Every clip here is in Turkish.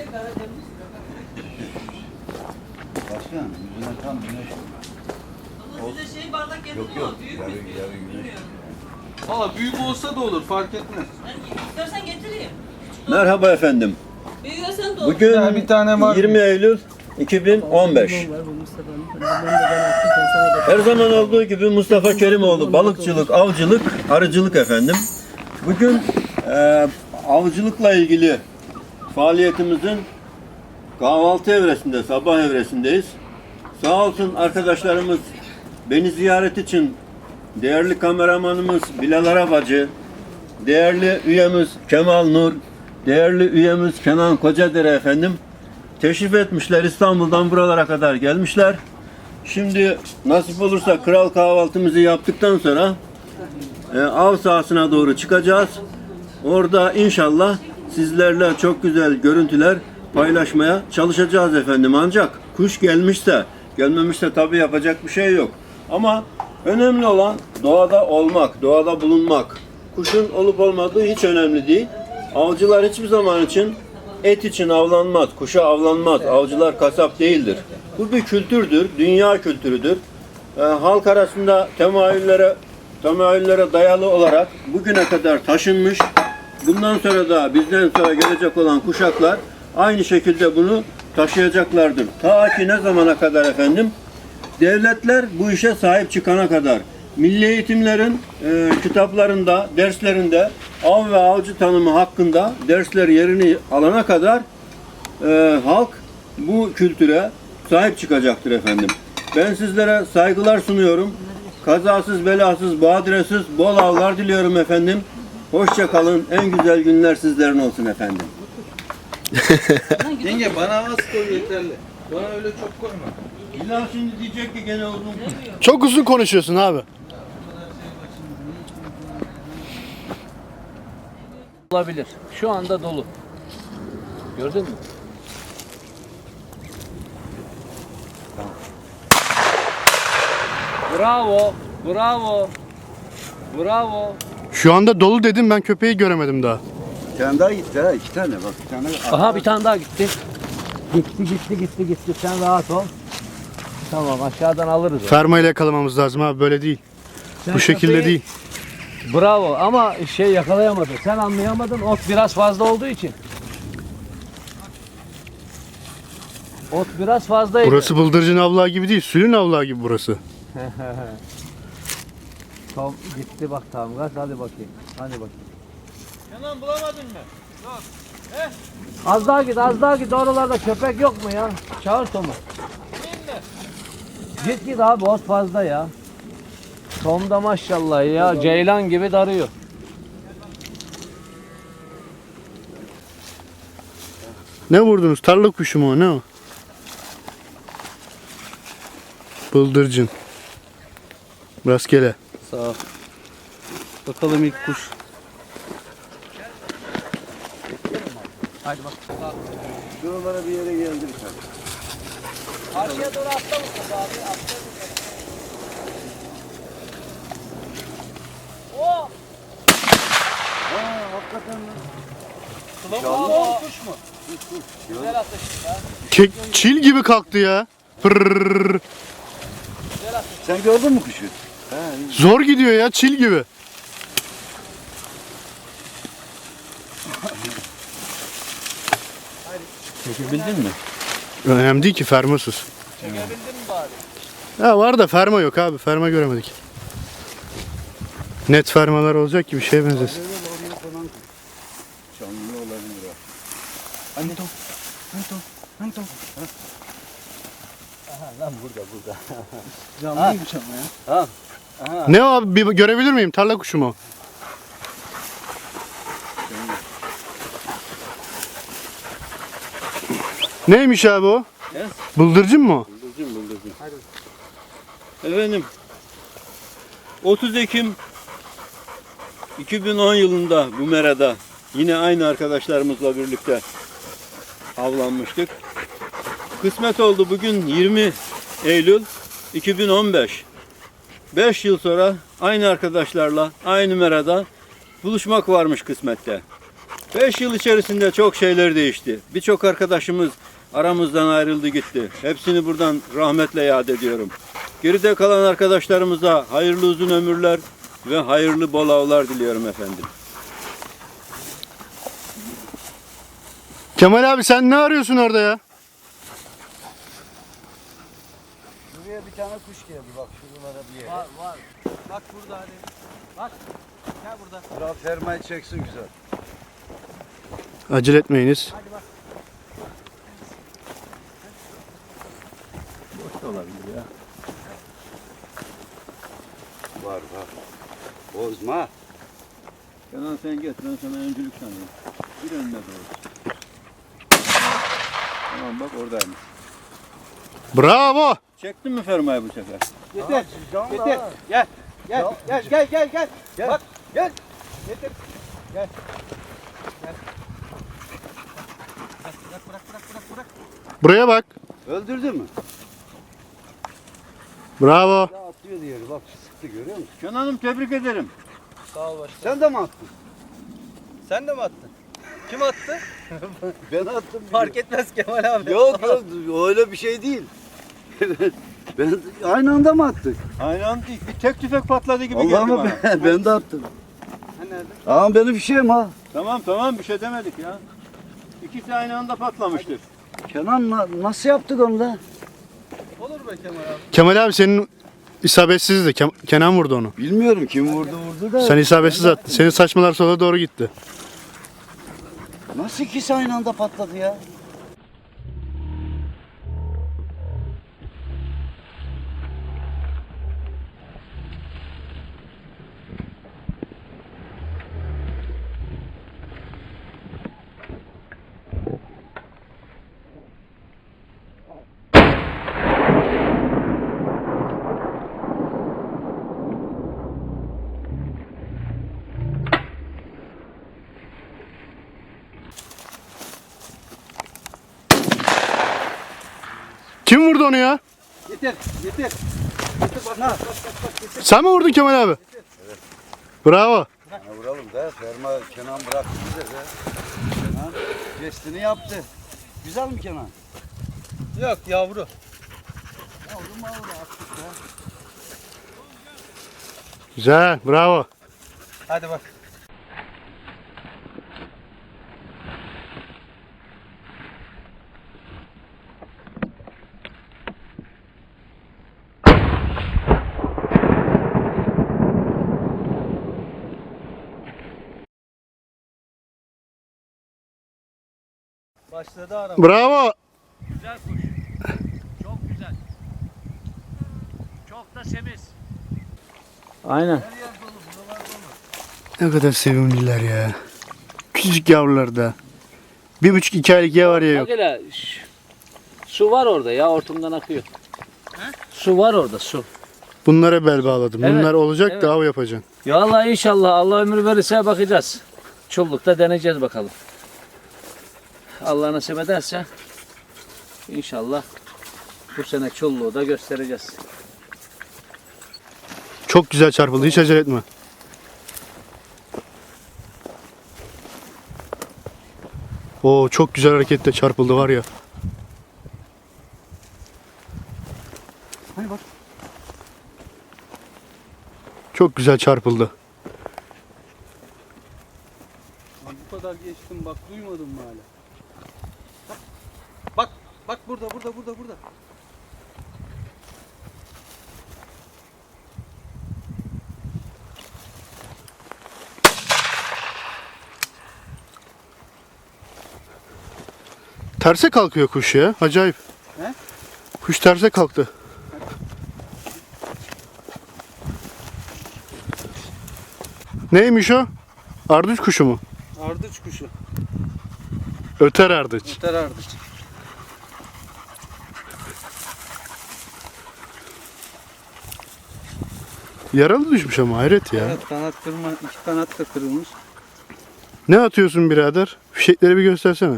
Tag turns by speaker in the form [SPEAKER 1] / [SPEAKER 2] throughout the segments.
[SPEAKER 1] Başkan, yüzüne tam güneş.
[SPEAKER 2] Ama size şey bardak getirdim ama büyük
[SPEAKER 1] yarı
[SPEAKER 2] mü?
[SPEAKER 1] güneş.
[SPEAKER 2] Bilmiyorum.
[SPEAKER 3] Valla büyük olsa da olur, fark etmez.
[SPEAKER 2] Ben istersen getireyim.
[SPEAKER 4] Merhaba efendim.
[SPEAKER 2] Büyüyorsan da olur.
[SPEAKER 4] Bugün
[SPEAKER 3] Ya bir tane var.
[SPEAKER 4] 20 Eylül 2015. Her zaman olduğu gibi Mustafa Kerimoğlu balıkçılık, avcılık, arıcılık efendim. Bugün avcılıkla ilgili faaliyetimizin kahvaltı evresinde, sabah evresindeyiz. Sağ olsun arkadaşlarımız beni ziyaret için değerli kameramanımız Bilal Arabacı, değerli üyemiz Kemal Nur, değerli üyemiz Kenan Kocadere efendim teşrif etmişler. İstanbul'dan buralara kadar gelmişler. Şimdi nasip olursa kral kahvaltımızı yaptıktan sonra av sahasına doğru çıkacağız. Orada inşallah sizlerle çok güzel görüntüler paylaşmaya çalışacağız efendim. Ancak kuş gelmişse, gelmemişse tabii yapacak bir şey yok. Ama önemli olan doğada olmak, doğada bulunmak. Kuşun olup olmadığı hiç önemli değil. Avcılar hiçbir zaman için et için avlanmaz, kuşa avlanmaz. Avcılar kasap değildir. Bu bir kültürdür, dünya kültürüdür. Halk arasında temayüllere dayalı olarak bugüne kadar taşınmış. Bundan sonra da bizden sonra gelecek olan kuşaklar aynı şekilde bunu taşıyacaklardır. Ta ki ne zamana kadar efendim? Devletler bu işe sahip çıkana kadar. Milli eğitimlerin kitaplarında, derslerinde av ve avcı tanımı hakkında dersler yerini alana kadar halk bu kültüre sahip çıkacaktır efendim. Ben sizlere saygılar sunuyorum. Kazasız, belasız, badiresіз bol avlar diliyorum efendim. Hoşça kalın. En güzel günler sizlerin olsun efendim.
[SPEAKER 3] Yenge bana az koy yeterli. Bana öyle çok koyma.
[SPEAKER 4] İlla şimdi diyecek ki gene uzun.
[SPEAKER 5] Çok uzun konuşuyorsun abi.
[SPEAKER 6] Olabilir. Şu anda dolu. Gördün mü? Bravo. Bravo. Bravo.
[SPEAKER 5] Şu anda dolu dedim, ben köpeği göremedim daha.
[SPEAKER 1] Bir tane daha gitti ha, iki tane bak. Bir tane
[SPEAKER 6] Aha bir tane daha gitti. Gitti. Sen rahat ol. Tamam aşağıdan alırız.
[SPEAKER 5] Ferma ile yakalamamız lazım abi, böyle değil.
[SPEAKER 6] Sen
[SPEAKER 5] Bu şekilde
[SPEAKER 6] köpeği-
[SPEAKER 5] değil.
[SPEAKER 6] Bravo ama yakalayamadı. Sen anlayamadın. Ot biraz fazla olduğu için. Ot biraz fazlaydı.
[SPEAKER 5] Burası bıldırcın avlağı gibi değil, sülün avlağı gibi burası.
[SPEAKER 6] Tamam gitti bak tamam gaz hadi bakayım. Hadi bakayım.
[SPEAKER 3] Kenan bulamadın mı?
[SPEAKER 6] Az daha git oralarda köpek yok mu ya? Çağır Tom'u. Git abi ot fazla ya. Tom da maşallah ya ceylan gibi darıyor.
[SPEAKER 5] Ne vurdunuz? Tarla kuşu mu o? Ne o? Bıldırcın. Rastgele.
[SPEAKER 3] Sağ ol. Bakalım ilk kuş.
[SPEAKER 1] şuralara bir yere geldik.
[SPEAKER 6] Karşıya doğru atla Mustafa abi. Oh!
[SPEAKER 1] Hakikaten
[SPEAKER 6] Bravo. Kuş mu? Güzel atıştı ya.
[SPEAKER 5] Çil gibi kalktı ya. Pırrrr.
[SPEAKER 1] sen gördün mü kuşu?
[SPEAKER 5] Zor gidiyor ya, çil gibi.
[SPEAKER 4] Çekebildin mi?
[SPEAKER 5] Önemli değil ki, fermasız.
[SPEAKER 6] Çekebildin mi bari?
[SPEAKER 5] Ya var da ferma yok abi, ferma göremedik. Net fermalar olacak ki bir şeye benzesin.
[SPEAKER 1] Canlı olabilir o. Anto.
[SPEAKER 6] Lan burada.
[SPEAKER 1] Canlıymış ama ya.
[SPEAKER 5] Ne o abi, bir görebilir miyim? Tarla kuşu mu? Neymiş abi o?
[SPEAKER 4] Yes.
[SPEAKER 5] Bıldırcın mı o?
[SPEAKER 4] Bıldırcın. Efendim 30 Ekim 2010 yılında bu merada yine aynı arkadaşlarımızla birlikte avlanmıştık. Kısmet oldu bugün 20 Eylül 2015. 5 yıl sonra aynı arkadaşlarla aynı merada buluşmak varmış kısmette. 5 yıl içerisinde çok şeyler değişti. Birçok arkadaşımız aramızdan ayrıldı gitti. Hepsini buradan rahmetle yad ediyorum. Geride kalan arkadaşlarımıza hayırlı uzun ömürler ve hayırlı bol avlar diliyorum efendim.
[SPEAKER 5] Kemal abi sen ne arıyorsun orada ya?
[SPEAKER 1] Buraya bir tane kuş geldi bak şuralara bir yere.
[SPEAKER 3] Var. Bak burada hadi. Bak. Gel burada.
[SPEAKER 1] Biraz fermayı çeksin güzel.
[SPEAKER 5] Acele etmeyiniz.
[SPEAKER 4] Boş olabilir ya.
[SPEAKER 1] Var. Bozma.
[SPEAKER 4] Kenan sen geç, ben sana öncülük sanıyorum. Bir önüne doğru. Tamam bak oradaymış.
[SPEAKER 5] Bravo.
[SPEAKER 4] Çektin mi fermayı bu sefer?
[SPEAKER 3] Yeter. Yeter. Gel. Gel. Bak. Gel. Yeter. Gel. Bırak.
[SPEAKER 5] Buraya bak.
[SPEAKER 1] Öldürdü mü?
[SPEAKER 5] Bravo.
[SPEAKER 1] Ya atlıyor diğeri bak sıktı görüyor musun?
[SPEAKER 4] Kenan'ım tebrik ederim.
[SPEAKER 3] Sağ ol başkanım.
[SPEAKER 1] Sen de mi attın?
[SPEAKER 3] Sen de mi attın? Kim attı?
[SPEAKER 1] Ben attım.
[SPEAKER 3] Fark etmez Kemal abi.
[SPEAKER 1] Yok öyle bir şey değil. ben aynı anda mı attık?
[SPEAKER 4] Aynı anda değil, bir tek tüfek patladı gibi geldi
[SPEAKER 1] Allah'ım
[SPEAKER 4] bana.
[SPEAKER 1] ben de attım.
[SPEAKER 3] Ha nerede?
[SPEAKER 1] Ama benim fişeğim ha.
[SPEAKER 4] Tamam bir şey demedik ya. İkisi aynı anda patlamıştır.
[SPEAKER 1] Kenan nasıl yaptık onu da?
[SPEAKER 3] Olur be Kemal abi.
[SPEAKER 5] Kemal abi senin isabetsizdi. Kenan vurdu onu.
[SPEAKER 1] Bilmiyorum kim vurdu da.
[SPEAKER 5] Sen isabetsiz attın. Senin saçmalar sola doğru gitti.
[SPEAKER 1] Nasıl ikisi aynı anda patladı ya?
[SPEAKER 5] Kim vurdu onu ya?
[SPEAKER 3] Yeter. Bak.
[SPEAKER 5] Sen mi vurdun Kemal abi? Evet. Bravo.
[SPEAKER 1] Ya vuralım da ferma Kenan bıraktı bize de. Kenan gestini yaptı. Güzel mi Kenan?
[SPEAKER 3] Yok yavru.
[SPEAKER 1] Yavrum attık ya.
[SPEAKER 5] Güzel. Bravo.
[SPEAKER 3] Hadi bak. Başladı araba.
[SPEAKER 5] Bravo.
[SPEAKER 6] Güzel kuş. Çok güzel. Çok da semiz. Aynen.
[SPEAKER 5] Ne kadar sevimliler ya. Küçücük yavrular da. 1,5-2 aylık ya var ya yok.
[SPEAKER 6] Bak hele, su var orada ya, hortumdan akıyor. Su var orada, su.
[SPEAKER 5] Bunlara bel bağladım.
[SPEAKER 6] Evet,
[SPEAKER 5] Bunlar olacak
[SPEAKER 6] evet.
[SPEAKER 5] da av yapacaksın.
[SPEAKER 6] Ya Allah inşallah Allah ömür verirse bakacağız. Çullukta deneyeceğiz bakalım. Allah nasip ederse inşallah bu sene çulluğu da göstereceğiz.
[SPEAKER 5] Çok güzel çarpıldı. Hiç acele etme. Oo çok güzel hareketle çarpıldı var ya.
[SPEAKER 1] Hani bak.
[SPEAKER 5] Çok güzel çarpıldı.
[SPEAKER 3] Bu kadar geçtim bak duymadın mı hala? Bak burada.
[SPEAKER 5] Terse kalkıyor kuş ya. Acayip.
[SPEAKER 3] He?
[SPEAKER 5] Kuş terse kalktı. Neymiş o? Ardıç kuşu mu?
[SPEAKER 3] Ardıç kuşu.
[SPEAKER 5] Öter ardıç.
[SPEAKER 3] Öter ardıç.
[SPEAKER 5] Yaralı düşmüş ama hayret ya.
[SPEAKER 3] Evet kanat kırma, iki kanat da kırılmış.
[SPEAKER 5] Ne atıyorsun birader? Fişekleri bir göstersene.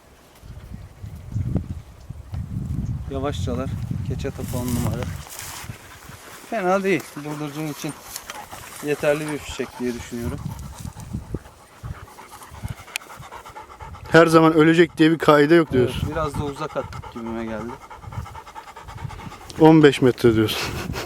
[SPEAKER 3] Yavaşçalar. Keçe topu 10 numara. Fena değil. Bıldırcın için yeterli bir fişek diye düşünüyorum.
[SPEAKER 5] her zaman ölecek diye bir kaide yok
[SPEAKER 3] Evet,
[SPEAKER 5] diyorsun.
[SPEAKER 3] biraz da uzak attık gibime geldi.
[SPEAKER 5] 15 metre diyorsun.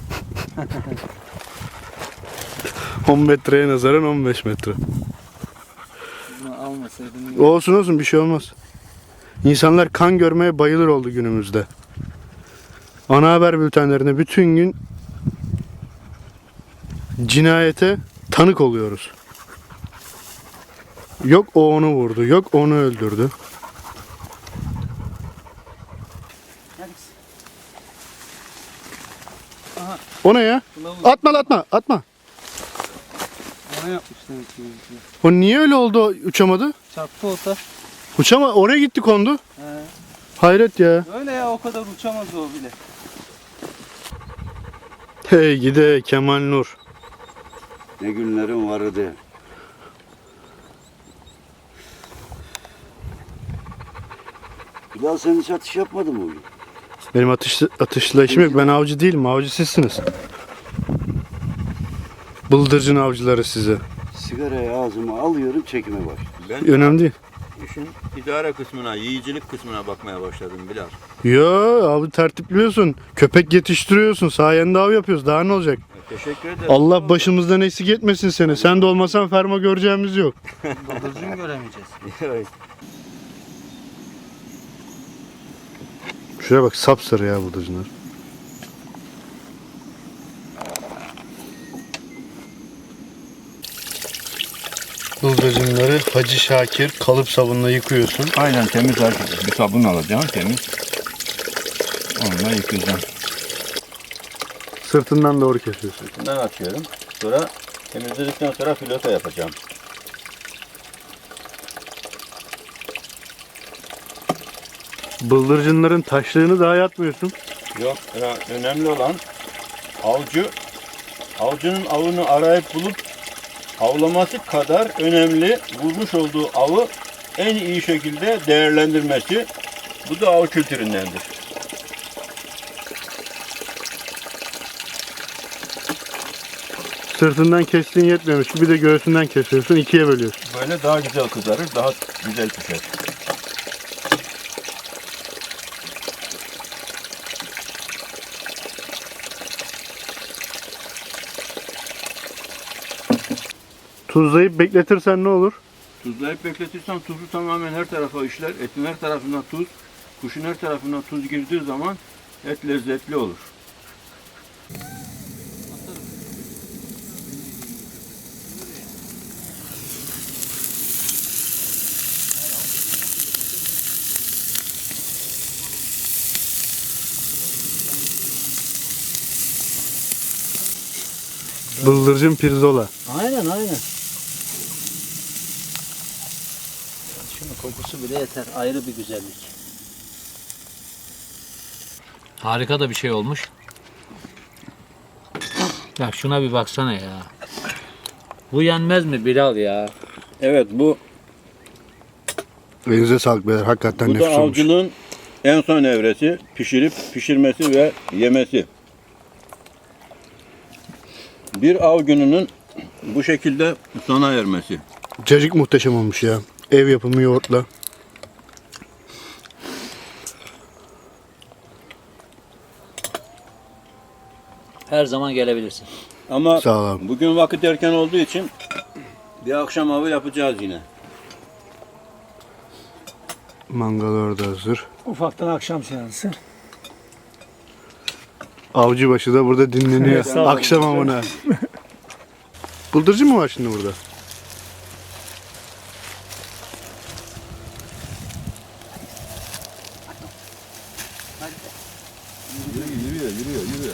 [SPEAKER 5] 10 metreye nazaran 15 metre.
[SPEAKER 3] Bunu almasaydım iyi.
[SPEAKER 5] Olsun olsun, bir şey olmaz. İnsanlar kan görmeye bayılır oldu günümüzde. Ana haber bültenlerinde bütün gün cinayete tanık oluyoruz. Yok o onu vurdu, yok onu öldürdü. O ne ya? Atma atma atma.
[SPEAKER 3] Ona yapmışlar ki.
[SPEAKER 5] O niye öyle oldu, uçamadı?
[SPEAKER 3] Çarptı o taş.
[SPEAKER 5] Uçama, oraya gitti kondu.
[SPEAKER 3] He.
[SPEAKER 5] Hayret ya.
[SPEAKER 3] Öyle ya, o kadar uçamaz o bile.
[SPEAKER 5] Hey gide Kemal Nur.
[SPEAKER 1] Ne günlerim vardı. Bilal sen hiç atış yapmadın mı bugün?
[SPEAKER 5] Benim atışla işim yok. Ben avcı değilim. Avcı sizsiniz. Bıldırcın avcıları size.
[SPEAKER 1] Sigarayı ağzıma alıyorum, çekime başlıyorum.
[SPEAKER 4] Ben
[SPEAKER 5] Önemli değil.
[SPEAKER 4] işin idare kısmına, yiyicilik kısmına bakmaya başladım Bilal.
[SPEAKER 5] Yo, avı tertipliyorsun. Köpek yetiştiriyorsun. Sayende av yapıyoruz. Daha ne olacak?
[SPEAKER 4] Teşekkür ederim.
[SPEAKER 5] Allah başımızdan eksik etmesin seni. Sen de olmasan ferma göreceğimiz yok.
[SPEAKER 3] Bıldırcın göremeyeceğiz.
[SPEAKER 4] Evet.
[SPEAKER 5] Şuraya bak, sapsarı ya bıldırcınlar. Bıldırcınları Hacı Şakir kalıp sabunla yıkıyorsun.
[SPEAKER 4] Aynen, temiz artık. Bir sabun alacağım, temiz. Onunla yıkayacağım.
[SPEAKER 5] Sırtından doğru kesiyorsun.
[SPEAKER 4] Bundan açıyorum. Sonra temizledikten sonra filota yapacağım.
[SPEAKER 5] Bıldırcınların taşlığını daha yatmıyorsun.
[SPEAKER 4] Yok, önemli olan avcının avını arayıp bulup avlaması kadar önemli, vurmuş olduğu avı en iyi şekilde değerlendirmesi. Bu da av kültüründendir.
[SPEAKER 5] Sırtından kestiğin yetmiyormuş. Bir de göğsünden kesiyorsun. İkiye bölüyorsun.
[SPEAKER 4] Böyle daha güzel kızarır, daha güzel pişer.
[SPEAKER 5] Tuzlayıp bekletirsen ne olur?
[SPEAKER 4] Tuzlayıp bekletirsen tuzu tamamen her tarafa işler. Etin her tarafına tuz, kuşun her tarafına tuz girdiği zaman et lezzetli olur.
[SPEAKER 5] Bıldırcın pirzola.
[SPEAKER 6] Aynen aynen. Şunun kokusu bile yeter. Ayrı bir güzellik. Harika da bir şey olmuş. Ya şuna bir baksana ya. Bu yenmez mi Bilal ya?
[SPEAKER 4] Evet, bu
[SPEAKER 5] Elinize sağlık beyler. Hakikaten
[SPEAKER 4] da
[SPEAKER 5] nefis olmuş.
[SPEAKER 4] avcılığın en son evresi. Pişirmesi ve yemesi. Bir av gününün bu şekilde sona ermesi.
[SPEAKER 5] Cacık muhteşem olmuş ya. Ev yapımı yoğurtla.
[SPEAKER 6] Her zaman gelebilirsin.
[SPEAKER 4] Ama
[SPEAKER 5] Sağ ol abi.
[SPEAKER 4] bugün vakit erken olduğu için bir akşam avı yapacağız yine.
[SPEAKER 5] Mangal orada hazır.
[SPEAKER 7] Ufaktan akşam seansı.
[SPEAKER 5] Avcıbaşı da burada dinleniyor.
[SPEAKER 7] Sağ olun.
[SPEAKER 5] Akşam amına. Bıldırcın mı var şimdi burada?
[SPEAKER 4] Yürüyor.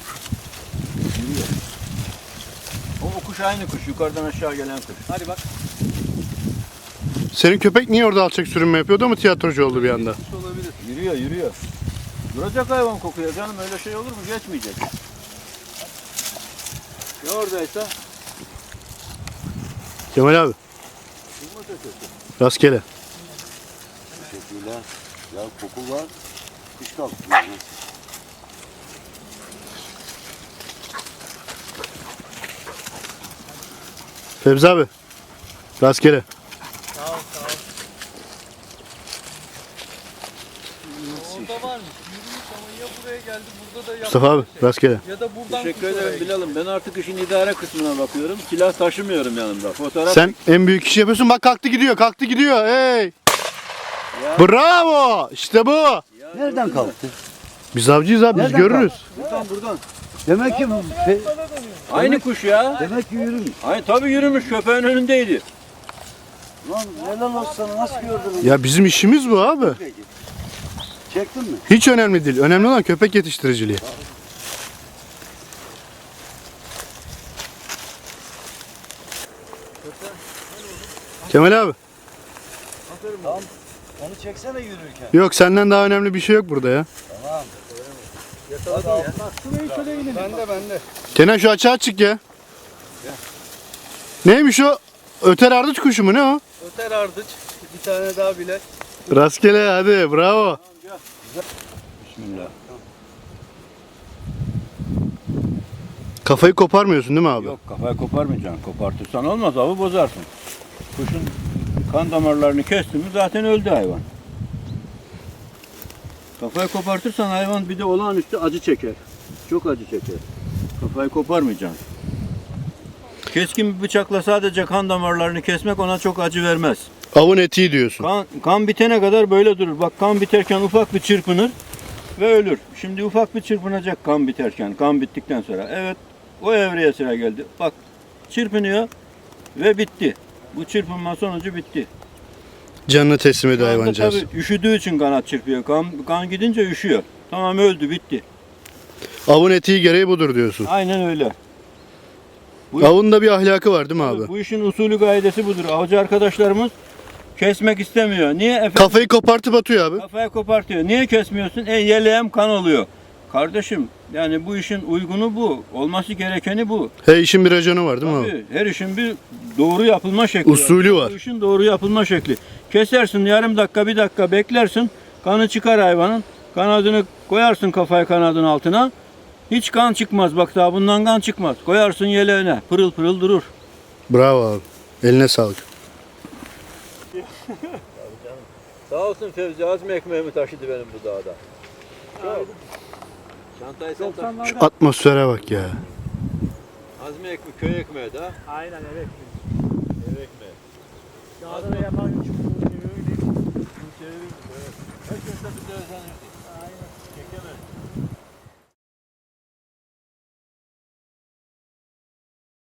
[SPEAKER 4] O kuş aynı kuş. Yukarıdan aşağı gelen kuş. Hadi bak.
[SPEAKER 5] Senin köpek niye orada alçak sürünme yapıyordu ama tiyatrocu oldu bir anda?
[SPEAKER 4] Yürüyor. Duracak hayvan kokuyor canım. Öyle şey olur mu? Geçmeyecek. Ya oradaysa?
[SPEAKER 5] Kemal abi. Rastgele.
[SPEAKER 1] Teşekkürler. Ya koku var. Kuş kalktı.
[SPEAKER 5] Fevzi abi. Rastgele.
[SPEAKER 3] Orada varmış. Yürümüş ama ya buraya geldi burada da
[SPEAKER 5] Mustafa abi rastgele.
[SPEAKER 3] Ya da buradan
[SPEAKER 4] Teşekkür ederim Bilal'ım. Ben artık işin idare kısmına bakıyorum. Silah taşımıyorum yanımda. Fotoğraf
[SPEAKER 5] Sen en büyük işi yapıyorsun. Bak kalktı gidiyor. Hey! Bravo! İşte bu.
[SPEAKER 1] Nereden kalktı?
[SPEAKER 5] Biz avcıyız abi biz
[SPEAKER 1] Nereden
[SPEAKER 5] görürüz.
[SPEAKER 4] buradan.
[SPEAKER 1] Demek ki
[SPEAKER 4] Aynı kuş ya.
[SPEAKER 1] demek ki yürümüş.
[SPEAKER 4] Ay tabii yürümüş, köpeğin önündeydi.
[SPEAKER 1] Lan helal olsun sana, nasıl gördün?
[SPEAKER 5] Ya bizim işimiz bu abi.
[SPEAKER 1] Çektin mi?
[SPEAKER 5] Hiç önemli değil. Önemli olan köpek yetiştiriciliği. Kemal abi.
[SPEAKER 1] Onu çeksene yürürken.
[SPEAKER 5] Yok senden daha önemli bir şey yok burada ya.
[SPEAKER 1] Bende.
[SPEAKER 5] Kenan şu açığa çık ya. Neymiş o? Öter ardıç kuşu mu ne o?
[SPEAKER 3] öter ardıç. Bir tane daha bile.
[SPEAKER 5] Rastgele hadi bravo.
[SPEAKER 4] Bismillah.
[SPEAKER 5] Kafayı koparmıyorsun değil mi abi?
[SPEAKER 4] Yok, kafayı koparmayacaksın. Kopartırsan olmaz, avı bozarsın. Kuşun kan damarlarını kestin mi zaten öldü hayvan. Kafayı kopartırsan hayvan bir de olağanüstü acı çeker. Çok acı çeker. Kafayı koparmayacaksın. Keskin bir bıçakla sadece kan damarlarını kesmek ona çok acı vermez.
[SPEAKER 5] Avın etiği diyorsun.
[SPEAKER 4] Kan bitene kadar böyle durur. Bak kan biterken ufak bir çırpınır ve ölür. Şimdi ufak bir çırpınacak kan biterken, kan bittikten sonra. Evet, o evreye sıra geldi. Bak çırpınıyor ve bitti. Bu çırpınma sonucu bitti.
[SPEAKER 5] Canını teslim ediyor
[SPEAKER 4] Şu anda
[SPEAKER 5] hayvancağız.
[SPEAKER 4] tabii üşüdüğü için kanat çırpıyor. Kan gidince üşüyor. Tamam öldü, bitti.
[SPEAKER 5] Avın etiği gereği budur diyorsun.
[SPEAKER 4] Aynen öyle. Bu-
[SPEAKER 5] Avın da bir ahlakı var değil mi abi?
[SPEAKER 4] Bu işin usulü gaidesi budur. Avcı arkadaşlarımız kesmek istemiyor. Niye efendim?
[SPEAKER 5] Kafayı kopartıp atıyor abi.
[SPEAKER 4] Kafayı kopartıyor. Niye kesmiyorsun? Yeleğim kan oluyor. Kardeşim yani bu işin uygunu bu. Olması gerekeni bu.
[SPEAKER 5] He işin bir raconu var değil mi abi?
[SPEAKER 4] Tabii, her işin bir doğru yapılma şekli
[SPEAKER 5] Usulü var.
[SPEAKER 4] Bu işin doğru yapılma şekli. Kesersin yarım dakika, bir dakika beklersin. Kanı çıkar hayvanın. Kanadını koyarsın kafayı kanadın altına. Hiç kan çıkmaz. Bak daha bundan kan çıkmaz. Koyarsın yeleğine. Pırıl pırıl durur.
[SPEAKER 5] Bravo abi. Eline sağlık.
[SPEAKER 4] Sağ olsun Fevzi. Azmi ekmeğimi taşıdı benim bu dağda. Çantayı sen taşı.
[SPEAKER 5] Şu atmosfere bak ya.
[SPEAKER 4] Azmi ekmeği, köy ekmeği de.
[SPEAKER 7] Aynen evet.
[SPEAKER 4] Ev ekmeği.
[SPEAKER 7] Dağda da yapan
[SPEAKER 4] Herkes de bir de